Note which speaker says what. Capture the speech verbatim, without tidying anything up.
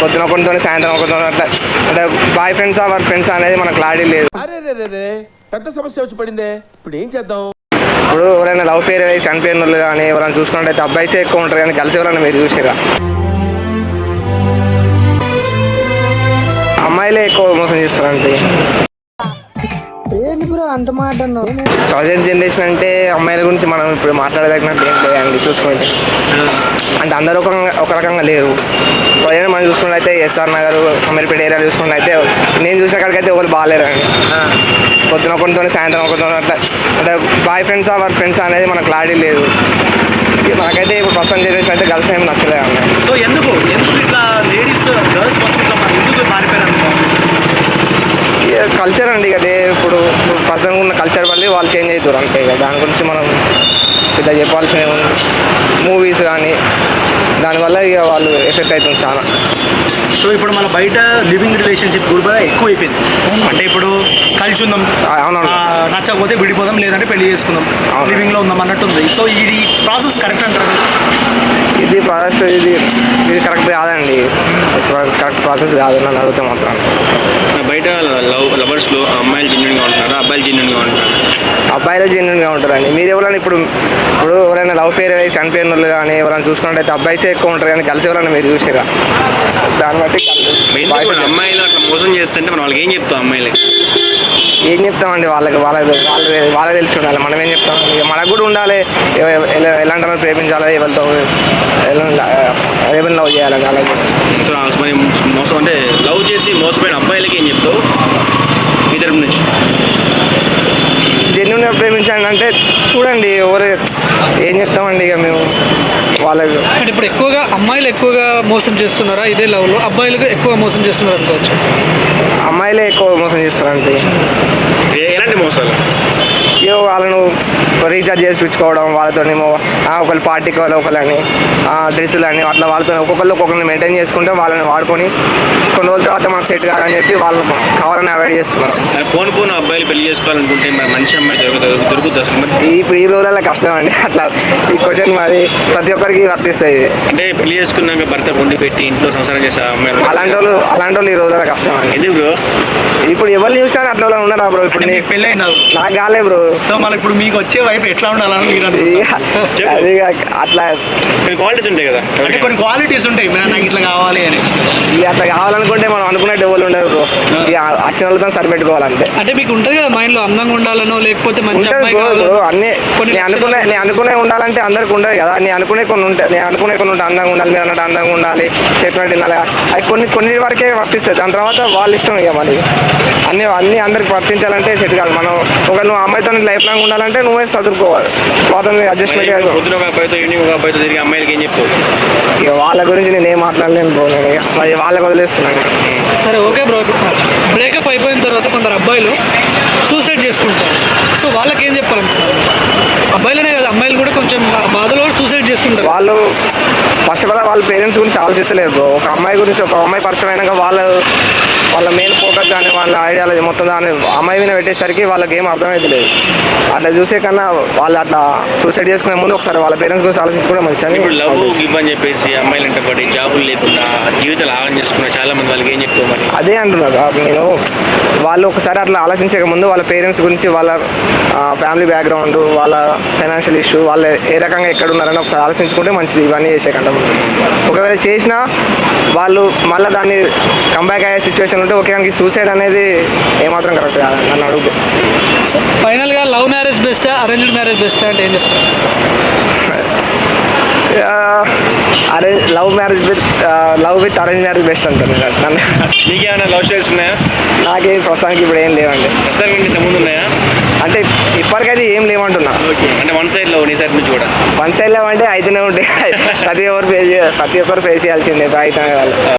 Speaker 1: పొద్దున ఒకరితో సాయంత్రం ఒకరితో అట్లా అంటే బాయ్ ఫ్రెండ్సా వర్క్ ఫ్రెండ్స్ అనేది మనకు క్లారిటీ లేదు.
Speaker 2: పెద్ద సమస్య వచ్చి పడిందే, ఇప్పుడు ఏం చేద్దాం?
Speaker 1: ఇప్పుడు ఎవరైనా లవ్ ఫెయిర్ అయ్యి చనిపోయిన వాళ్ళు కానీ ఎవరైనా చూసుకున్నట్టయితే అబ్బాయిసే ఎక్కువ ఉంటారు కానీ కలిసి ఎవరైనా మీరు చూసారా? అమ్మాయిలే ఎక్కువ మోసం చేస్తారంటే ప్రజెంట్ జనరేషన్ అంటే అమ్మాయిల గురించి మనం ఇప్పుడు మాట్లాడదగినట్టు ఏం లేదండి. చూసుకుంటే అంటే అందరూ ఒక ఒక రకంగా లేరు. ప్రజెంట్ మనం చూసుకుంటే అయితే ఎస్ఆర్ నగర్ అమీర్పేట ఏరియా చూసుకుంటే అయితే నేను చూసిన కాడికైతే ఎవరు బాగాలేరండి. పొద్దున ఒకరితో సాయంత్రం ఒకరితో అట్లా అంటే బాయ్ ఫ్రెండ్సా వర్క్ ఫ్రెండ్స్ అనేది మనకు క్లారిటీ లేదు. నాకైతే ఇప్పుడు ప్రస్తుతం జనరేషన్ అయితే గర్ల్స్ ఏమి నచ్చలేదు అన్న.
Speaker 3: సో ఎందుకు ఎందుకు ఇట్లా లేడీస్ గర్ల్స్ మొత్తం ఇట్లా ఎందుకు మారిపోయారు?
Speaker 1: కల్చర్ అండి అదే ఇప్పుడు ప్రజెంట్ ఉన్న కల్చర్ వల్ల వాళ్ళు చేంజ్ అవుతారు అంతే కదా. దాని గురించి మనం పెద్ద చెప్పాల్సిన మూవీస్ కానీ దానివల్ల ఇక వాళ్ళు ఎఫెక్ట్ అవుతుంది చాలా.
Speaker 3: సో ఇప్పుడు మన బయట లివింగ్ రిలేషన్షిప్ కూడా ఎక్కువ అయిపోయింది. అంటే ఇప్పుడు కలిసి ఉందాం, నచ్చకపోతే విడిపోదాం, లేదంటే పెళ్లి చేసుకుందాం, లివింగ్లో ఉందాం అన్నట్టు ఉంది. సో ఇది ప్రాసెస్ కరెక్ట్ అంటారు?
Speaker 1: ఇది ప్రాసెస్ ఇది ఇది కరెక్ట్ కాదండి. కరెక్ట్ ప్రాసెస్ కాదు నన్ను అడిగితే మాత్రం.
Speaker 4: బయట లవ్ లవర్స్లో అమ్మాయిలు జెన్యున్గా ఉంటున్నారు, అబ్బాయిలు జెన్యున్గా ఉంటున్నారు.
Speaker 1: అబ్బాయిలు జెన్యున్గా ఉంటారండి. మీరు ఎవరైనా ఇప్పుడు ఇప్పుడు ఎవరైనా లవ్ ఫెయిర్ అయ్యి చనిపోయిన వాళ్ళు కానీ ఎవరైనా చూసుకున్నట్టయితే అబ్బాయిసే ఎక్కువ ఉంటారు కానీ కలిసి ఎవరైనా మీరు చూసారా? దాన్ని బట్టి
Speaker 4: అమ్మాయిలు అట్లా మోసం చేస్తుంటే మనం వాళ్ళకి ఏం చెప్తాం? అమ్మాయిలకి
Speaker 1: ఏం చెప్తామండి? వాళ్ళకి వాళ్ళకి వాళ్ళ వాళ్ళకి తెలిసి ఉండాలి. మనం ఏం చెప్తాం? ఇక మనకు కూడా ఉండాలి ఎలాంటి వాళ్ళు ప్రేమించాలి, ఎవరితో ఎవరిని లవ్ చేయాలి. అలాగే
Speaker 4: మరి మోసం అంటే లవ్ చేసి మోసపోయిన అబ్బాయిలకి ఏం చెప్తావు మీ తరపు నుంచి?
Speaker 1: జెన్యున్గా ప్రేమించండి అంటే చూడండి ఎవరు ఏం చెప్తామండి ఇక మేము వాళ్ళకి.
Speaker 5: అంటే ఇప్పుడు ఎక్కువగా అమ్మాయిలు ఎక్కువగా మోసం చేస్తున్నారా ఇదే లవ్లో? అబ్బాయిలకు ఎక్కువ మోసం చేస్తున్నారు అనుకోవచ్చు.
Speaker 1: అమ్మాయిలే ఎక్కువ మోసం చేస్తారు అంతే.
Speaker 4: ఎలాంటి మోసాలు?
Speaker 1: ఇక వాళ్ళను రీఛార్జ్ చేసి పిచ్చుకోవడం, వాళ్ళతోనేమో ఒకళ్ళు పార్టీకి వాళ్ళు ఒకళ్ళని డ్రెస్సులు అని అట్లా వాళ్ళతో ఒక్కొక్కళ్ళు ఒక్కొక్కరిని మెయింటైన్ చేసుకుంటే వాళ్ళని వాడుకొని కొన్ని రోజుల తర్వాత మనకు సెట్ కాదని చెప్పి వాళ్ళు కావాలని అవాయిడ్ చేస్తున్నారు.
Speaker 4: పోను పోను అబ్బాయిలు పెళ్లి చేసుకోవాలనుకుంటే మంచి అమ్మాయి దొరుకుతుంది దొరుకుతుంది
Speaker 1: ఇప్పుడు ఈ రోజుల్లో కష్టం అండి. అట్లా ఈ క్వశ్చన్ మరి ప్రతి ఒక్కరికి వర్తిస్తుంది.
Speaker 4: అంటే పెళ్లి చేసుకున్నాక భర్త వండి పెట్టి ఇంట్లో సంసారం చేసే అమ్మాయి
Speaker 1: అలాంటి వాళ్ళు అలాంటి వాళ్ళు ఈ రోజుల్లో కష్టం అండి.
Speaker 4: ఎందుకు బ్రో?
Speaker 1: ఇప్పుడు ఎవరు చూసినా అట్లా వాళ్ళు ఉన్నారా బ్రో? ఇప్పుడు
Speaker 3: పెళ్ళి అయినా
Speaker 1: నాకు కాలే బ్రో.
Speaker 3: సో మళ్ళీ ఇప్పుడు మీకు వచ్చే వైపు ఎట్లా ఉండాలని
Speaker 1: అది అట్లా
Speaker 4: క్వాలిటీస్ ఉంటాయి కదా,
Speaker 3: అంటే కొన్ని క్వాలిటీస్ ఉంటాయి నాకు ఇట్లా కావాలి అని.
Speaker 1: ఇక అట్లా కావాలనుకుంటే మనం అనుకున్నట్టు ఎవరు ఉండరు బ్రో. ఇక వచ్చిన వాళ్ళతో సరిపెట్టుకోవాలంతే.
Speaker 5: అంటే మీకు ఉంటుంది కదా మైండ్ లో అందంగా ఉండాలనో లేకపోతే మంచి అమ్మాయి
Speaker 1: బ్రో. అన్ని నేను అనుకునే నేను అనుకునే ఉండాలంటే అందరికి ఉండదు కదా. నేను అనుకునే కొన్ని ఉంటాయి. నేను అనుకునే కొన్ని ఉంటాయి. అందంగా ఉండాలి, మీరు అన్నట్టు అందంగా ఉండాలి, చెప్పినట్టు ఉండాలి. అవి కొన్ని కొన్ని వరకే వర్తిస్తాయి. దాని తర్వాత వాళ్ళ ఇష్టం ఇక మరి అన్ని అన్ని అందరికి వర్తించాలంటే సెట్ కాదు. మనం ఒక నువ్వు అమ్మాయితో లైఫ్ లాంగ్ ఉండాలంటే నువ్వే చదువుకోవాలి. వాళ్ళని అడ్జస్ట్మెంట్
Speaker 4: పొద్దున ఒక అబ్బాయితో ఈవినింగ్ ఒక అబ్బాయితో తిరిగి అమ్మాయిలకి ఏం చెప్తావు?
Speaker 1: ఇక వాళ్ళ గురించి నేను ఏం మాట్లాడలేను బ్రో. నేను ఇక మరి వాళ్ళకి వదిలేస్తున్నాను.
Speaker 5: సరే ఓకే బ్రో. బ్రేకప్ అయిపోయిన తర్వాత కొందరు అబ్బాయిలు సూసైడ్ చేసుకుంటారు. సో వాళ్ళకి ఏం చెప్పాలనుకుంటున్నారు? అబ్బాయిలనే కదా, అమ్మాయిలు కూడా కొంచెం బాధలో సూసైడ్ చేసుకుంటారు.
Speaker 1: వాళ్ళు ఫస్ట్ ఆఫ్ ఆల్ వాళ్ళ పేరెంట్స్ గురించి ఆలోచిస్తలేరు బ్రో. ఒక అమ్మాయి గురించి ఒక అమ్మాయి పరిచయం అయినాక వాళ్ళు వాళ్ళ మెయిన్ ఫోకస్ కానీ వాళ్ళ ఐడియాలజీ మొత్తం దాన్ని అమ్మాయి మీద పెట్టేసరికి వాళ్ళకి ఏం అర్థమైతే లేదు. అట్లా చూసే కన్నా వాళ్ళు అట్లా సూసైడ్ చేసుకునే ముందు ఒకసారి వాళ్ళ పేరెంట్స్ గురించి ఆలోచించుకోవడం మంచిది.
Speaker 4: ఇప్పుడు లవ్ గివ్ అని చెప్పేసి అమ్మాయిలు అంటే పడి జాబులు లేకుండా జీవితాలు ఆగం చేసుకున్న చాలా మంది వాళ్ళకి ఏం చెప్తావు మరి?
Speaker 1: అదే అంటున్నారు నేను. వాళ్ళు ఒకసారి అట్లా ఆలోచించక ముందు వాళ్ళ పేరెంట్స్ గురించి, వాళ్ళ ఫ్యామిలీ బ్యాక్గ్రౌండ్, వాళ్ళ ఫైనాన్షియల్ ఇష్యూ, వాళ్ళు ఏ రకంగా ఎక్కడ ఉన్నారని ఒకసారి ఆలోచించుకుంటే మంచిది. ఇవన్నీ చేసే కంటే ముందు ఒకవేళ చేసినా వాళ్ళు మళ్ళీ దాన్ని కంబ్యాక్ అయ్యే సిచ్యువేషన్ ఉంటే ఓకే. కానీ సూసైడ్ అనేది ఏమాత్రం కరెక్ట్ కాదండి నన్ను అడిగితే.
Speaker 5: ఫైనల్గా లవ్ మ్యారేజ్ బెస్టా అరేంజ్డ్ మ్యారేజ్ బెస్టా అంటే ఏం చెప్తారు?
Speaker 1: Arrange love marriage with love with arrange marriage best అంటాను నన్ను.
Speaker 4: నీకేమైనా లవ్ స్టోరీస్ ఉన్నాయా?
Speaker 1: నాకే ప్రస్తుతానికి ఇప్పుడు ఏం లేవండి.
Speaker 4: ప్రస్తుతానికి ఇంత ముందు ఉన్నాయా?
Speaker 1: అంటే ఇప్పటికైతే ఏం లేవంటున్నా.
Speaker 4: ఓకే, అంటే వన్ సైడ్ లవ్ నీ సైడ్ నుంచి కూడా?
Speaker 1: వన్ సైడ్ లవ్ అంటే అయితేనే ఉంటాయి. ప్రతి ఒక్కరు ఫేస్ ప్రతి ఒక్కరు ఫేస్ చేయాల్సిందే. బాయ్స్ అనే వాళ్ళు.